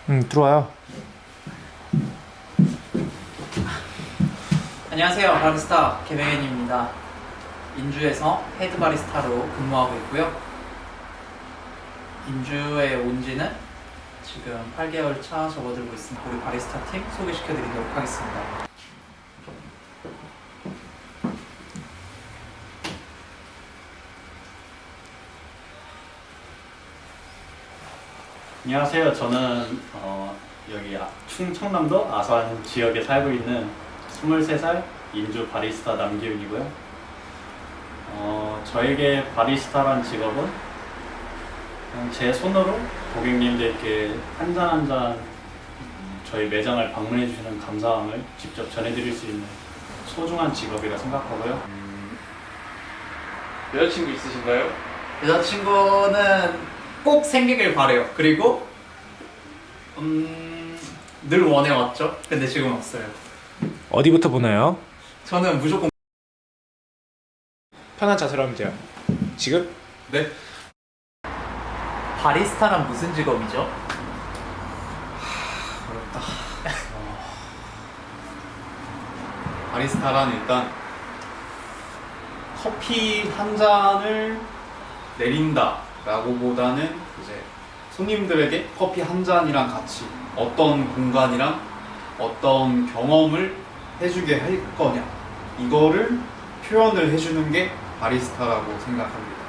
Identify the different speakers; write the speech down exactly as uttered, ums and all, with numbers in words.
Speaker 1: 음, 들어와요.
Speaker 2: 안녕하세요. 바리스타 개명현입니다. 인주에서 헤드 바리스타로 근무하고 있고요. 인주에 온 지는 지금 팔 개월 차 접어들고 있습니다. 우리 바리스타 팀 소개시켜드리도록 하겠습니다.
Speaker 3: 안녕하세요. 저는 어, 여기 아- 충청남도 아산 지역에 살고 있는 스물세 살 인주 바리스타 남기훈이고요. 어, 저에게 바리스타란 직업은 그냥 제 손으로 고객님들께 한 잔 한 잔 저희 매장을 방문해 주시는 감사함을 직접 전해드릴 수 있는 소중한 직업이라 생각하고요.
Speaker 4: 음, 여자친구 있으신가요?
Speaker 2: 여자친구는 꼭 생기길 바래요. 그리고 음, 늘 원해왔죠. 근데 지금 없어요.
Speaker 1: 어디부터 보나요?
Speaker 2: 저는 무조건
Speaker 1: 편한 자세로 하면 돼요. 지금?
Speaker 4: 네.
Speaker 2: 바리스타란 무슨 직업이죠?
Speaker 4: 어렵다. 어, 바리스타란 일단 커피 한 잔을 내린다 라고 보다는 이제 손님들에게 커피 한 잔이랑 같이 어떤 공간이랑 어떤 경험을 해주게 할 거냐 이거를 표현을 해주는 게 바리스타라고 생각합니다.